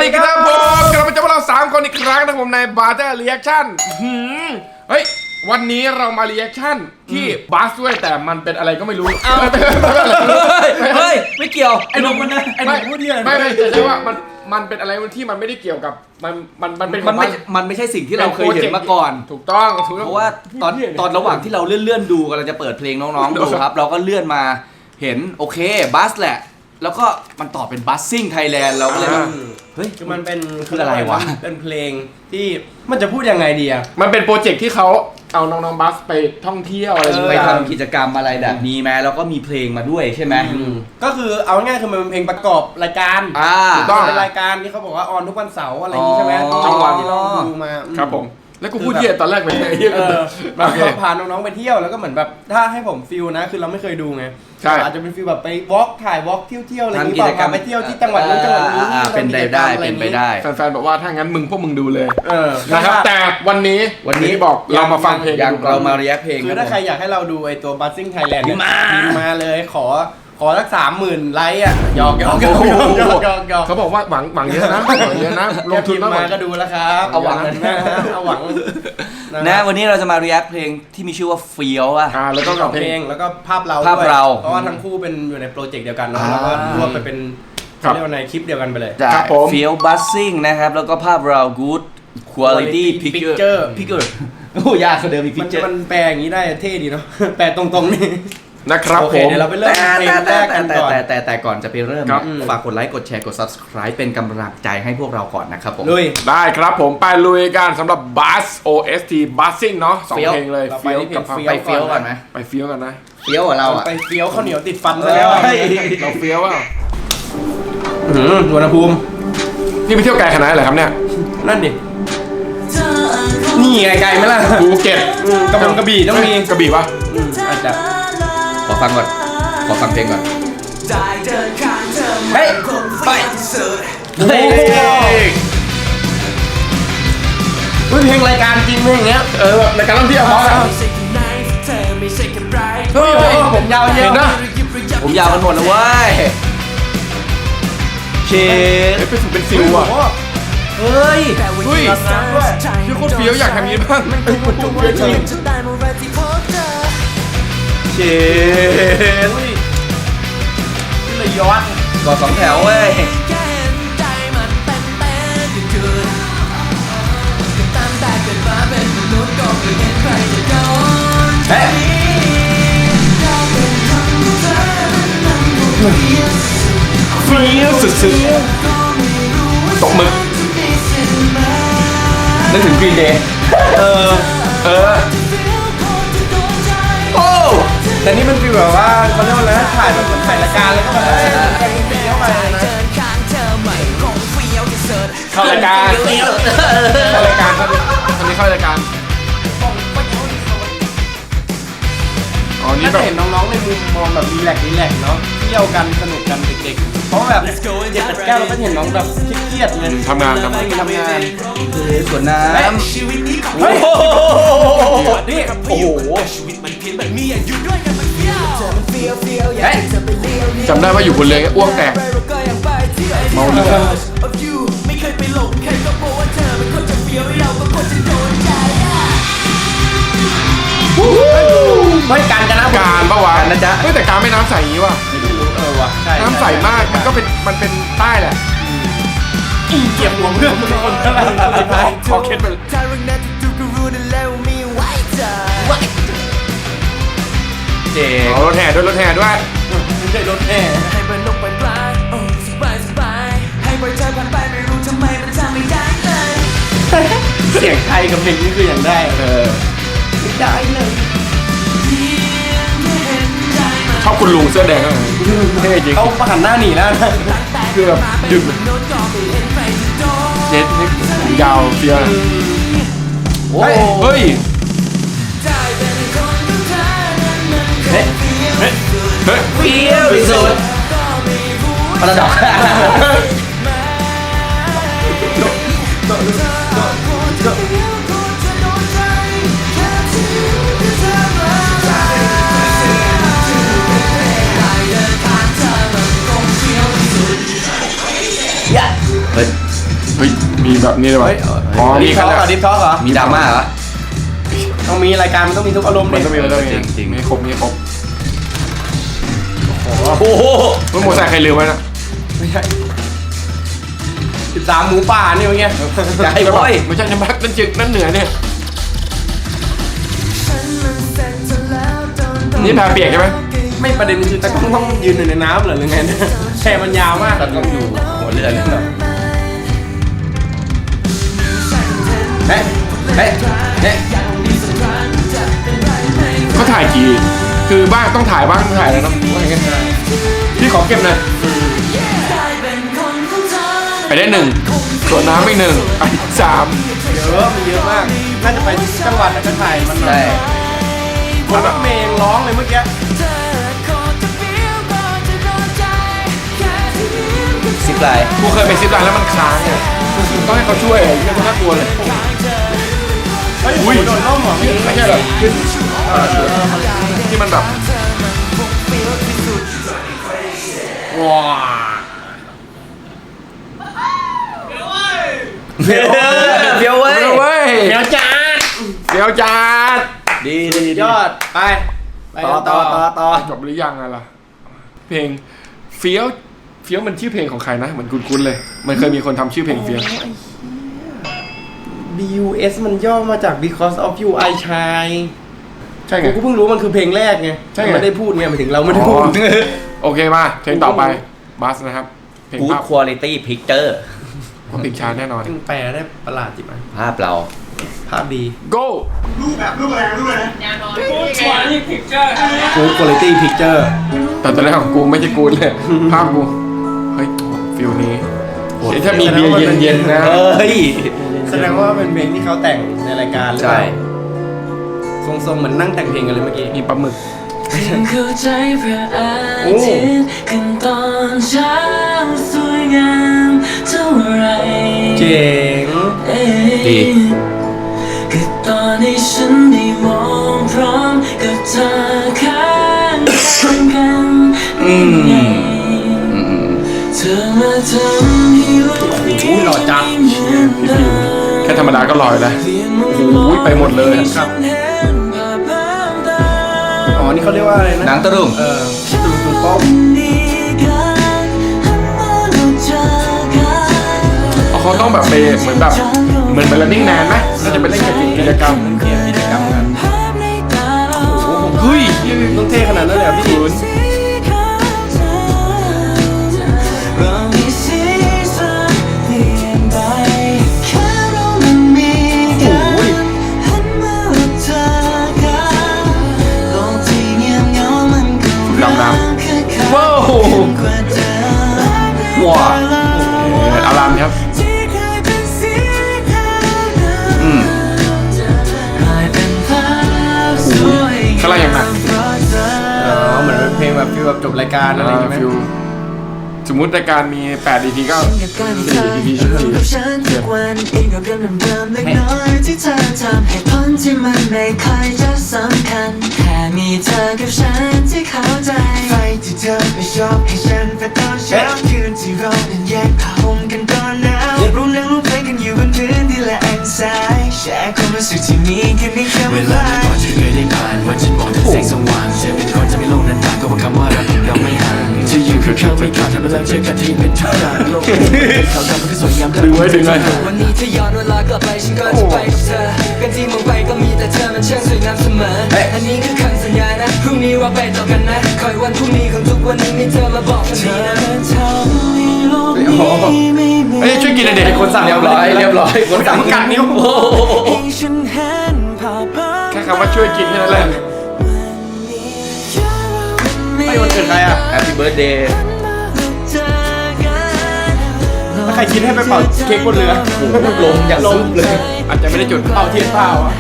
ดีครับผมกลับมาเจอพวกเรา3คนอีกครั้งนะผมในบาร์เตอร์รีแอคชั่นเฮ้ยวันนี้เรามารีแอคชั่นที่บัสด้วยแต่มันเป็นอะไรก็ไม่รู้เฮ้ยไม่เกี่ยวไอ้หนุ่มมันนะไอ้หนุ่มพูดเนี่ยไม่ใช่ว่ามันเป็นอะไรที่มันไม่ได้เกี่ยวกับมันเป็นมันไม่ใช่สิ่งที่เราเคยเห็นมาก่อนถูกต้องเพราะว่าตอนระหว่างที่เราเลื่อนดูกำลังจะเปิดเพลงน้องๆดูครับเราก็เลื่อนมาเห็นโอเคบัสแหละแล้วก็มันต่อเป็นบัสซิ่งไทยแลนด์เราก็เลยเฮ้ยคือมันเป็นคืออะไรวะเป็นเพลงที่มันจะพูดยังไงดีอะมันเป็นโปรเจกต์ที่เขาเอาน้องๆบัสไปท่องเที่ยวอะไรไปทำกิจกรรมอะไรแบบนี้ไหมแล้วก็มีเพลงมาด้วยใช่ไหมก็คือเอาง่ายคือมันเป็นเพลงประกอบรายการถูกต้องเป็นรายการที่เขาบอกว่าออนทุกวันเสาร์อะไรอย่างนี้ใช่ไหมจังหวะที่เราดูมาครับผมแล้วกูพูดเที่ยวตอนแรกไปไหนเราพาน้องๆไปเที่ยวแล้วก็เหมือนแบบถ้าให้ผมฟิลนะคือเราไม่เคยดูไงอาจจะเป็นฟิลแบบไปวอล์กถ่ายวอล์กเที่ยวอะไรอย่างนี้ป่ะไปเที่ยวที่จังหวัดนู้นจังหวัดนี้เป็นไปได้แฟนๆบอกว่าถ้างั้นพวกมึงดูเลยนะครับแต่วันนี้บอกเรามาฟังเพลงเรามาเรียกเพลงคือถ้าใครอยากให้เราดูไอตัว Buzzing Thailand พิมพ์มาเลยขอสัก30,000ไลค์อ่ะหยอกเขาบอกว่าหวังเยอะนะลงทุนมาก็ดูแล้วครับเอาหวังนะวันนี้เราจะมาเรียกเพลงที่มีชื่อว่าเฟี้ยวแล้วก็เพลงแล้วก็ภาพเราเพราะว่าทั้งคู่เป็นอยู่ในโปรเจกต์เดียวกันแล้วก็รวมไปเป็นเรียกว่าในคลิปเดียวกันไปเลยเฟี้ยวบัสซิ่งนะครับแล้วก็ภาพเรา good quality picture โอ้ยากเขาเดิมมี picture มันแปลอย่างนี้ได้เท่ดีเนาะแปลตรงๆนี่นะครับผมเดี๋ยวเราไปเริ่มเพลงแรกกันก่อนแต่ก่อนจะไปเริ่มฝากกดไลค์กดแชร์กด subscribe เป็นกำลังใจให้พวกเราก่อนนะครับผมลุยได้ครับผมไปลุยกันสำหรับ Buzz OST Buzzing เนาะ2เพลงเลยเฟี้ยวกับไปเฟี้ยวก่อนไหมไปเฟี้ยวกันนะเฟี้ยวกับเราไปเฟี้ยวข้าวเหนียวติดฟันซะแล้วเราเฟี้ยวอ่ะอุณหภูมินี่ไปเที่ยวไกลขนาดไหนครับเนี่ยนั่นดินี่ไกลไหมล่ะภูเก็ตกระบี่ต้องมีกระบี่ปะอาจจะขอฟังก่อนขอฟังเพลงก่อนเฮ้ยไปเพลงรายการจริงเพลงเนี้ยรายการท่องเที่ยวเพราะอะไรผมยาวเยอะนะผมยาวกันหมดเลยเว้ยเชฟเป็นฟิวอ่ะเฮ้ยชื่อโคตรเฟี้ยวอยากทำนี้บ้างไม่เป็นคนจุกเวทีเชฟเลยย้อนก่อ2แถวเว้ยเฮ้ยเฟี้ยวสุดๆตกมือนึกถึงกรีนเดย์โอ้แต่นี่มันฟีลแบบว่าเขาเรียกว่าอะไรถ่ายแบบถ่ายรายการแล้วก็แบบเฟี้ยวไปนะเข้ารายการคนนี้เข้ารายการนี่แบบเห็นน้องๆในมุมมองแบบรีแลกซ์เนาะเที่ยวกันสนุกกันเด็กๆเพราะแบบ7-8 เราก็เห็นน้องแบบเครียดเลยทำงานส่วนน้ำเฮ้ยนี่โอ้โหจำได้ว่าอยู่บนเรืออ้วกแตกเมาเรือไม่การกันนะการปะวะนะจ๊ะแต่การไม่น้ำใสอย่างนี้ว่ะว่ะน้ำใสมากมันเป็นใต้แหละเก็บหัวเพื่อนคนขอเคสไปเจ๋งรถแห่ด้วยไม่ใช่รถแห่ให้เป็นลงไปปลายสบายให้ปล่อยใจผ่านไปไม่รู้ทำไมมันทำไม่ได้เลยเสียงไทยกับเพลงนี้คืออย่างได้ไม่ได้เลยชอบคุณลุงเสื้อแดงอ่ะเท่จริงเขาหันหน้าหนีแล้วนะคือแบบหยุดเจ็ดนี่ยาวเฟี้ยวเฮ้ยเฟี้ยวที่สุดพาราดอกเฮ้ยมีแบบนี้เลยว่ะอ๋อดิมีฟกัท็นอกแล้วดิฟท็อกเหรอมีดราม่าเหรอต้องมีรายการมันต้องมีทุกอารมณ์มันดิต้องมีมันต้องมีจริงๆไม่ครบไม่ครบโอ้โหมันโมไซค์ใครลืมไว้นะไม่ใช่13หมูป่านี่เมื่อกี้ใช่โว้ยไม่ใช่น้ำพักนั่นจึกนั่นเหนือเนี่ยนี่แพรเปียกใช่ไหมไม่ประเด็นคือตะกล้องต้องยืนอยู่ในน้ำเหรอหรือไงเนี่ยแค่มันยาวมากตอนต้องอยู่หัวเรือเลยเหรอเฮ้ยเฮ้ยเฮ้ยเขาถ่ายกี่คือบ้างต้องถ่ายบ้างต้องถ่ายแล้วเนาะว่าอย่างเงี้ยพี่ขอเก็บหน่อยไปได้1ส่วนน้ำอีก1อันที่3 เยอะมันเยอะมาก น่าจะไปจังหวัดแล้วก็ถ่ายมันหน่อใช่ยคนรถเมย์ยังร้องเลยเมื่อกี้ซิปไลน์กูเคยไปซิปไลน์แล้วมันค้างเนี่ยต้องให้เขาช่วยยังน่ากลัวเลยเฮ้ยโอ้ยโดนล่มเหรอไม่ใช่แบบขึ้นที่มันแบบว้าเฟี้ยวเว้ยเว้ยเดี๋ยวจ้าเดี๋ยวจัดดีดียอด ไปต่อจบหรือยังอะล่ะเพลงเฟี้ยวมันชื่อเพลงของใครนะเหมือนคุ้นๆเลย มันเคยมีคนทำชื่อเพลงเฟี้ยว BUS มันย่อมาจาก Because of You I Shine ใช่ไงกูเพิ่งรู้มันคือเพลงแรกไงใช่ไงไม่ได้พูดไงหมายถึงเราไม่ได้พูดอ๋อ โอเคมาเพลงต่อไปบัสนะครับเพลงกู๊ดภาพควอลิตี้พิกเจอร์เพลงช้าแน่นอนจึงแปลได้ประหลาดจิ๋มภาพเราภาพดี go กู Quality Picture แต่ตอนแรกของกูไม่ใช่กูเลยภาพกูเฮ้ยฟิลนี้เฮ้ยถ้ามีเบียร์เย็นๆนะเฮ้ยแสดงว่าเป็นเพลงที่เขาแต่งในรายการหรือเปใช่ล่าทรงๆเหมือนนั่งแต่งเพลงกันเลยเมื่อกี้มีปลาหมึกเข้าใจพระอาทิตย์ขึ้นตอนเช้าสวยงามเท่าไรเจ๋งดีก็ตอนที่ฉันได้มองพร้อมกับเธอข้างกันไงเธอมาทำให้โลกนี้หล่อจัดแค่ธรรมดาก็ลอยแล้วโอ้โหไปหมดเลยครับ อ๋อ นี่เขาเรียกว่าอะไรนะหนังตะลุงตุ่มป้อมเขาต้องแบบไปเหมือนแบบเหมือนไป running man ไหมน่าจะไปเล่นกิจกรรมกิจกรรมกันเฮ้ยต้องเท่ขนาดนั้นเลยเหรอพี่ดำน้ำว้าวว้าอารามครับอืมข้างล่างอย่างหนักอ๋อ เหมือนเป็นเพลงแบบฟีลแบบจบรายการอะไรอย่างเงี้ยไหมฟิวสมมุติรายการมี8 EP ก็4 EP ชั่วโมงกับฉันทุกวันเองกับเรื่องเดิมๆเล็กน้อยที่เธอทำให้ผลที่มันไม่ค่อยจะสำคัญแค่มีเธอกับฉันที่เข้าใจไฟที่เธอไม่ชอบให้ฉันเป็นตอนเช้าคืนที่เรานั้นแยกผ้าห่มกันตอนหนาวรู้เรื่องรู้เพลงกันอยู่บนพื้นที่ละอันซ้ายแชร์ความรู้สึกที่มีแค่ในคำเวว่าลาไม่ก่อนจะเคยได้ผ่านวันฉันมองแต่แสงสว่างจะเป็นคนจะไม่โลกนั้นต่างก็ว่าคำว่ารักของเราไม่ห่างจะอยู่คือเขาไม่ขาดทำให้เราเจอกันที่เป็นทุกอย่างโลกเขาทำมันก็สวยงามดึงไว้ดึงไว้วันนี้ถ้าย้อนเวลากลับไปฉันก็จะไปกับเธอกันที่มองไปก็มีแต่เธอมันช่างสวยงามเสมออันนี้คือคำสัญญานะพรุ่งนี้ว่าไปต่อกันนะคอยวันพรุ่งนี้ของทุกวันนี้มีเธอมาบอกกันดีนะเฮ้ยช่วยกินหน่อยดิคนสั่งเรียบร้อยคนสั่งกัดนิ้วโอ้โหแค่คำว่าช่วยกินแค่นั้นแหละไอ้วันเกิดใครอ่ะแฮปปี้เบิร์ดเดย์ถ้าใครคิดให้ไปเป่าเค้กบนเรือลมอย่างซุบเลยอาจจะไม่ได้จุดเป่าเทียนเปล่าอ่ะ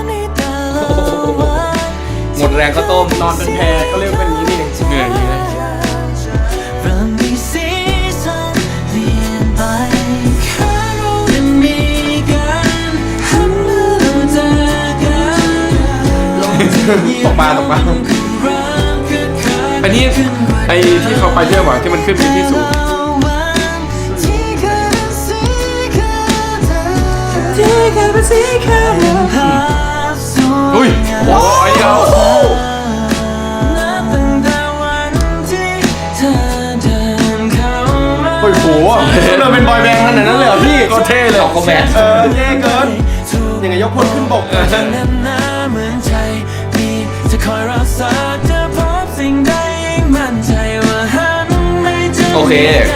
หมดแรงก็ต้มนอนเป็นแพก็เรียกเป็นอย่างนี้นี่เองเหนื่อยอยู่นะเริ่มมีสีสันเปลี่ยนไปแค่เราได้มีกันหันมาเราเจอกันลงที่ตกปลาอันนี้ไอ้ที่เขาไปเที่ยวบ่อยที่มันขึ้นไปที่สูงแค่เป็นสีขาวภาพสวยอุ้ยงามโอ้ยเอานับตั้งแต่วันที่เธอเดินเข้ามาโอ้โหเราเป็นบอยแบนด์ขนาดนั้นเลยเหรอพี่ก็เท่เลยคอมแมนเท่เกินยังไงยกพลขึ้นบกแน่นหนาเหมือนใจมีจะคอยรักษาจะพบสิ่งใดยิ่งมั่นใจว่าหันไม่เจอโอเค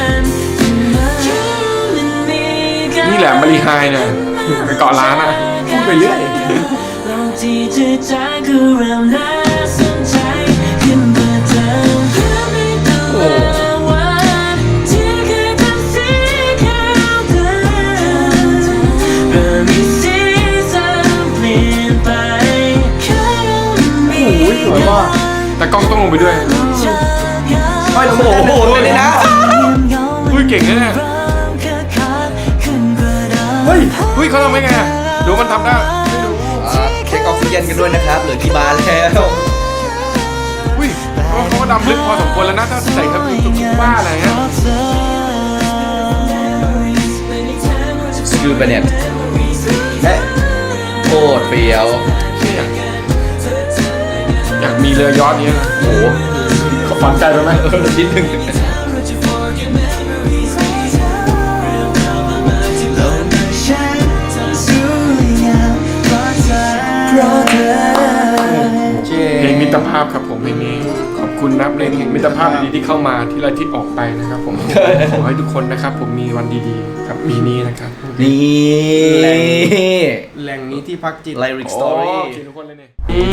นี่แหละมารีไฮเนี่ยไปเกาะร้านอ่ะพูดไปเรื่อยลองที่จะจากก็เริ่มน่าสนใจขึ้นเมื่อเธอเพื่อไม่ตัววันที่เคยเป็นสีขาวเดิมเริ่มมีสีสันเปลี่ยนไปแค่มีโอ้ยสวยว่ะแต่กล้องต้องลงไปด้วยไม่ลงโอ้โหเลยนะอุ้ยเก่งนะเนี่ยเฮ้ยอุ้ยเขาทำได้ไงอะดูมันทำได้เช็คออกซิเจนกันด้วยนะครับเหลือกี่บาร์แล้วอุ้ยเขาก็ดำลึกพอสมควรแล้วนะถ้าใส่กระปุกตุ๊กบ้าอะไรเงี้ยสกิลเบเน็ตโคตรเฟี้ยวอยากมีเรือยอชต์เนี้ยนะโอ้โหเขาฝันใจไปไหมนิดนึงเพลงมิตรภาพครับผมเพลงนี้ขอบคุณนะเพลงแห่งมิตรภาพดีๆที่เข้ามาที่ละทิศออกไปนะครับผม ขอให้ทุกคนนะครับผมมีวันดีๆกับปีนี้นะครับนี่แหล่งนี้ที่พักจิตไลริกสตอรี่โเคทุกคนเลยเนี่ย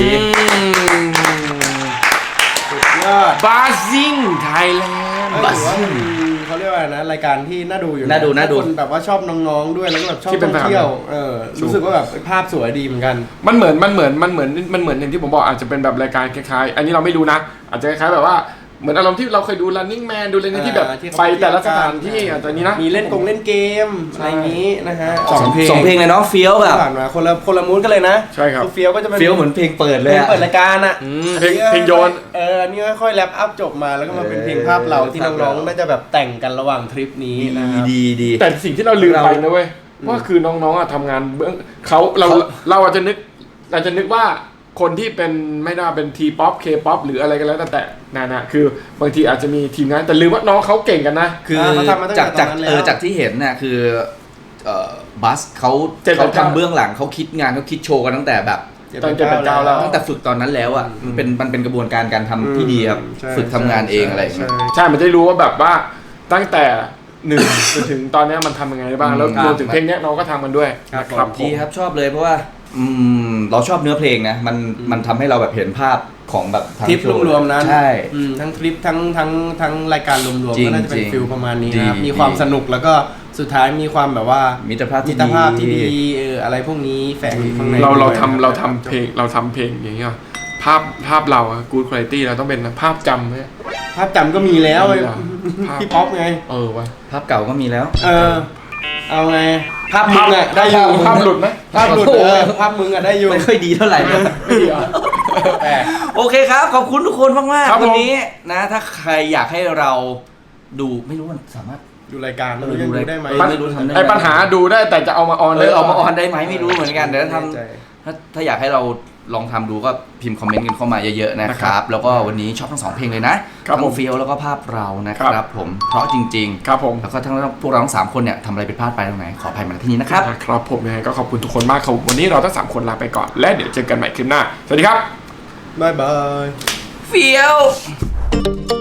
ยอดบาซิงไทยแลนด์บัสเขาเรียกว่าอะไรนะรายการที่น่าดูอยู่น่าดูคนแบบว่าชอบน้องๆด้วยแล้วก็แบบชอบที่เป็ท่นองเที่ยวรู้สึกว่าแบบภาพสวยดีเหมือนกันมันเหมือนอย่างที่ผมบอกอาจจะเป็นแบบรายการคล้ายๆ อันนี้เราไม่รู้นะ อาจจะคล้ายๆแบบว่าเหมือนอารมณ์ที่เราเคยดู Running Man ดูอะไรเนี่ยที่แบบที่เขาไปแต่ละเที่สยวกันถานที่อาจจะนี้นะมีเล่นเกมอะไรอย่างนี้นะฮะสองเพลงเลยเนาะเฟี้ยวแบบผ่านมาคนละมูดกันเลยนะใช่ครับอเฟี้ยวก็จะเป็นเฟี้ยวเหมือนเพลงเปิดเลยอะเปิดรายการอ่ะเพลงโยนอันนี้ค่อยๆแรปอัพจบมาแล้วก็มาเป็นเพลงภาพเราที่น้องๆน่าจะแบบแต่งกันระหว่างทริปนี้นะครับดีแต่สิ่งที่เราลืมไปนะเว้ยว่าคือน้องๆอะทำงานเบื้องเราอาจจะนึกว่าคนที่เป็นไม่น่าเป็นทีป๊อปเคป๊อปหรืออะไรกันแล้วแต่นะคือบางทีอาจจะมีทีมงานแต่ลืมว่าน้องเขาเก่งกันนะคือเขาทำมาตั้งแต่จากตอนนั้นแล้วจากที่เห็นน่ะคือบัสเขา 789 ทำเบื้องหลังเขาคิดงานเขาคิดโชว์กันตั้งแต่แบบตอน789แล้วตั้งแต่ฝึกตอนนั้นแล้วอ่ะมันเป็นกระบวนการการทำที่ดีครับใช่ฝึกทำงานเองอะไรอย่างเงี้ยใช่มันจะได้รู้ว่าแบบว่าตั้งแต่หนึ่งจนถึงตอนเนี้ยมันทำยังไงได้บ้างแล้วรวมถึงเพลงเนี้ยน้องก็ทำมันด้วยนะครับผมดีครับชอบเลยเพราะว่าเราชอบเนื้อเพลงนะมันทำให้เราแบบเห็นภาพของแบบทั้งทริปโชว์รวมๆนั้นใช่ทั้งทริปทั้งรายการรวมจริๆงก็น่าจะเป็นฟิลประมาณนี้นะครับดีมีความสนุกแล้วก็สุดท้ายมีความแบบว่ามิตรภาพที่ที่ดีอะไรพวกนี้แฝงอยู่ข้างในเราด้วยทำเพลงอย่างเงี้ยภาพเราอะ good quality เราต้องเป็นภาพจำเนี่ยภาพจำก็มีแล้วมีเหรอภาพพี่ป๊อปไงวะภาพเก่าก็มีแล้วเอาไงภาพมึงอะได้อยู่ภาพหลุดไหมภาพหลุดโอ้โหภาพมึงอะได้อยู่ไม่ค่อยดีเท่าไหร่นะไม่ดีเหรอแปลกโอเคครับ ขอบคุณทุกคนมากครับๆผมวันนี้นะ ถ้าใครอยากให้เราดูไม่รู้มันสามารถดูรายการไม่รู้ยังดูได้ไหมไม่รู้ทำได้ไหมไอ้ปัญหาดูได้แต่จะเอามาออนเอได้อหรเอามาออนได้ไหมไม่รู้เหมือนกันเดี๋ยวไม่แน่ใจถ้าอยากให้เราลองทำดูก็พิมพ์คอมเมนต์กันเข้ามาเยอะๆนะครับ แล้วก็วันนี้ชอบทั้งสองเพลงเลยนะครับ ทั้ผงมเฟียวแล้วก็ภาพเรานะคครัรับบ ผมเพราะจริงครับผมๆ แล้วก็ทั้งพวกเราทั้งสามคนเนี่ยทำอะไรผิดพลาดไปตรงไหนขออภัยมาณที่นี้นะครับครับผมยังไงก็ขอบคุณทุกคนมากครับวันนี้เราทั้ง3คนลาไปก่อนและเดี๋ยวเจอกันใหม่คลิปหน้าสวัสดีครับบ๊ายบายเฟียว